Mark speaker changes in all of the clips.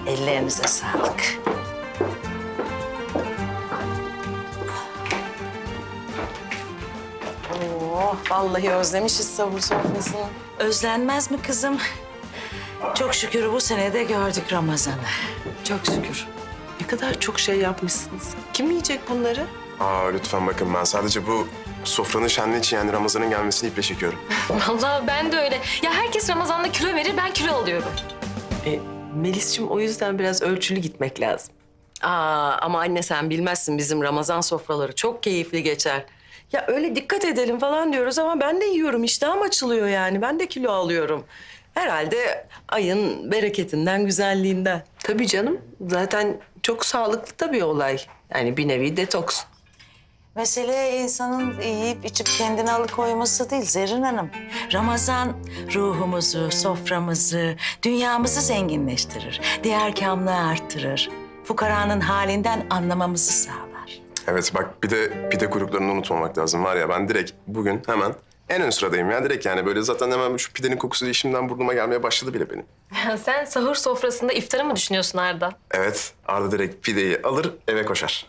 Speaker 1: Ellerinize sağlık.
Speaker 2: Oh, vallahi özlemişiz sahur sofrasını.
Speaker 1: Özlenmez mi kızım? Çok şükür bu sene de gördük Ramazan'ı.
Speaker 2: Çok şükür. Ne kadar çok şey yapmışsınız. Kim yiyecek bunları?
Speaker 3: Lütfen bakın, ben sadece bu sofranın şenliği için, yani Ramazan'ın gelmesini iple çekiyorum.
Speaker 4: Vallahi ben de öyle. Ya herkes Ramazan'da kilo verir, ben kilo alıyorum.
Speaker 2: Melis'ciğim, o yüzden biraz ölçülü gitmek lazım. Ama anne sen bilmezsin, bizim Ramazan sofraları çok keyifli geçer. Ya öyle dikkat edelim falan diyoruz ama ben de yiyorum, iştahım açılıyor yani. Ben de kilo alıyorum. Herhalde ayın bereketinden, güzelliğinden. Tabii canım. Zaten çok sağlıklı da bir olay. Yani bir nevi detoks.
Speaker 1: Mesele insanın yiyip içip kendini alıkoyması değil Zerrin Hanım. Ramazan ruhumuzu, soframızı, dünyamızı zenginleştirir. Diğer kamlığı arttırır. Fukaranın halinden anlamamızı sağlar.
Speaker 3: Evet bak, bir de pide kuyruklarını unutmamak lazım. Var ya, ben direkt bugün hemen en ön sıradayım ya. Direkt yani böyle zaten hemen şu pidenin kokusu işimden burnuma gelmeye başladı bile benim.
Speaker 4: Sen sahur sofrasında iftarı mı düşünüyorsun Arda?
Speaker 3: Evet, Arda direkt pideyi alır eve koşar.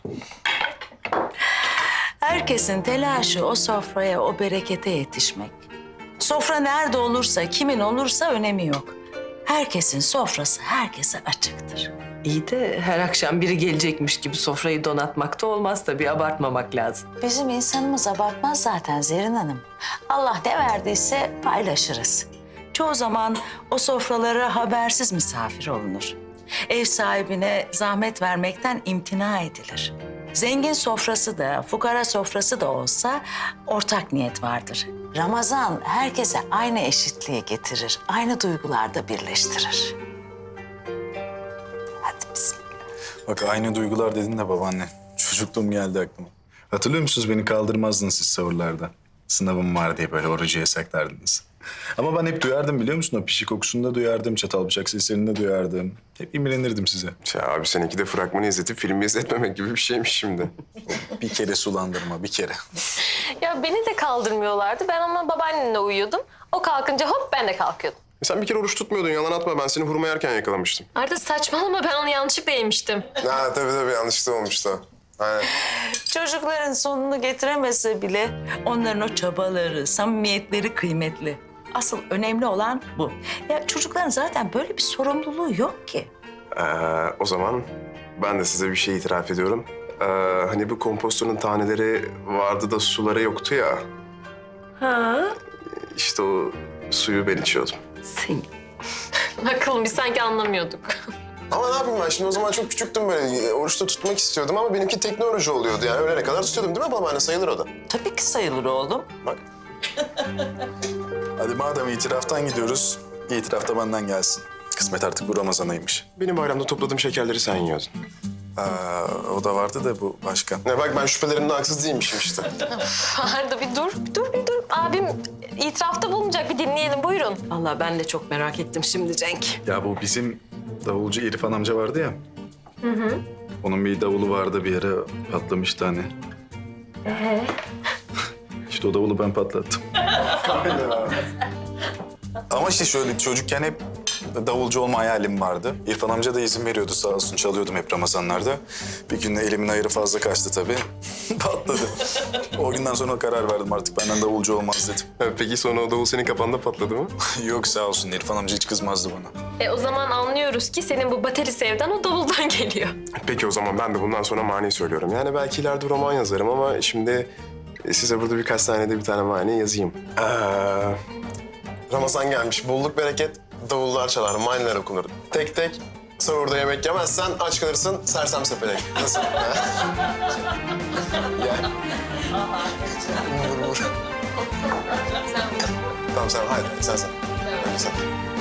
Speaker 1: Herkesin telaşı o sofraya, o berekete yetişmek. Sofra nerede olursa, kimin olursa önemi yok. Herkesin sofrası herkese açıktır.
Speaker 2: İyi de her akşam biri gelecekmiş gibi sofrayı donatmak da olmaz tabii. Abartmamak lazım.
Speaker 1: Bizim insanımız abartmaz zaten Zerrin Hanım. Allah ne verdiyse paylaşırız. Çoğu zaman o sofralara habersiz misafir olunur. Ev sahibine zahmet vermekten imtina edilir. Zengin sofrası da, fukara sofrası da olsa ortak niyet vardır. Ramazan herkese aynı eşitliği getirir, aynı duygularda birleştirir. Hadi bismillah.
Speaker 5: Bak, aynı duygular dedin de babaanne. Çocukluğum geldi aklıma. Hatırlıyor musunuz, beni kaldırmazdınız siz sahurlarda. Sınavım var diye böyle orucu yasaklardınız. Ama ben hep duyardım, biliyor musun? O pişi kokusunu da duyardım, çatal bıçak seslerini de duyardım. Hep imrenirdim size.
Speaker 3: Ya abi, seninki de fragmanı izletip filmi izletmemek gibi bir şeymiş şimdi.
Speaker 5: Bir kere sulandırma, bir kere.
Speaker 4: Ya beni de kaldırmıyorlardı. Ben ama babaannemle uyuyordum. O kalkınca hop ben de kalkıyordum.
Speaker 3: Sen bir kere oruç tutmuyordun, yalan atma. Ben seni hurma yerken yakalamıştım.
Speaker 4: Arda saçmalama, ben onu yanlışlıkla yemiştim.
Speaker 3: Ha tabii yanlışlıkla olmuştu. Aynen.
Speaker 1: Çocukların sonunu getiremese bile onların o çabaları, samimiyetleri kıymetli. Asıl önemli olan bu. Ya çocukların zaten böyle bir sorumluluğu yok ki.
Speaker 3: O zaman ben de size bir şey itiraf ediyorum. Hani bu kompostun taneleri vardı da suları yoktu ya.
Speaker 2: Ha?
Speaker 3: İşte o suyu ben içiyordum.
Speaker 2: Sen.
Speaker 4: Bakalım biz sanki anlamıyorduk.
Speaker 3: Ama ne yapayım ben şimdi, o zaman çok küçüktüm böyle. Oruçta tutmak istiyordum ama benimki teknoloji oluyordu yani. Öğlene kadar tutuyordum değil mi babaanne? Sayılır o da.
Speaker 1: Tabii ki sayılır oğlum.
Speaker 3: Bak.
Speaker 5: Hadi madem itiraftan gidiyoruz, itiraf da benden gelsin. Kısmet artık bu Ramazan'ıymış.
Speaker 3: Benim bayramda topladığım şekerleri sen yiyordun.
Speaker 5: O da vardı da bu başka.
Speaker 3: Ne bak, ben şüphelerimde haksız değilmişim işte.
Speaker 4: Arda bir dur. Abim itirafta bulunacak, bir dinleyelim, buyurun.
Speaker 2: Vallahi ben de çok merak ettim şimdi Cenk.
Speaker 5: Ya bu bizim davulcu İrfan amca vardı ya. Onun bir davulu vardı, bir yere patlamıştı hani. İşte o davulu ben patlattım. Ama işte şöyle, çocukken hep davulcu olma hayalim vardı. İrfan amca da izin veriyordu, sağ olsun, çalıyordum hep Ramazanlarda. Bir gün elimin ayarı fazla kaçtı tabii. Patladı. O günden sonra karar verdim, artık benden davulcu olmaz dedim.
Speaker 3: Peki sonra o davul senin kafanda patladı mı?
Speaker 5: Yok sağ olsun, İrfan amca hiç kızmazdı bana.
Speaker 4: O zaman anlıyoruz ki senin bu bateri sevdan o davuldan geliyor.
Speaker 3: Peki o zaman ben de bundan sonra mani söylüyorum. Yani belki ileride roman yazarım ama şimdi size burada birkaç saniyede bir tane mani yazayım. Ramazan gelmiş, bolluk bereket, davullar çalar, maniler okunur. Tek tek, sahurda yemek yemezsen aç kalırsın, sersem sepelek. Nasıl? Gel. Vur. Tamam sen, haydi sen. Hadi sen.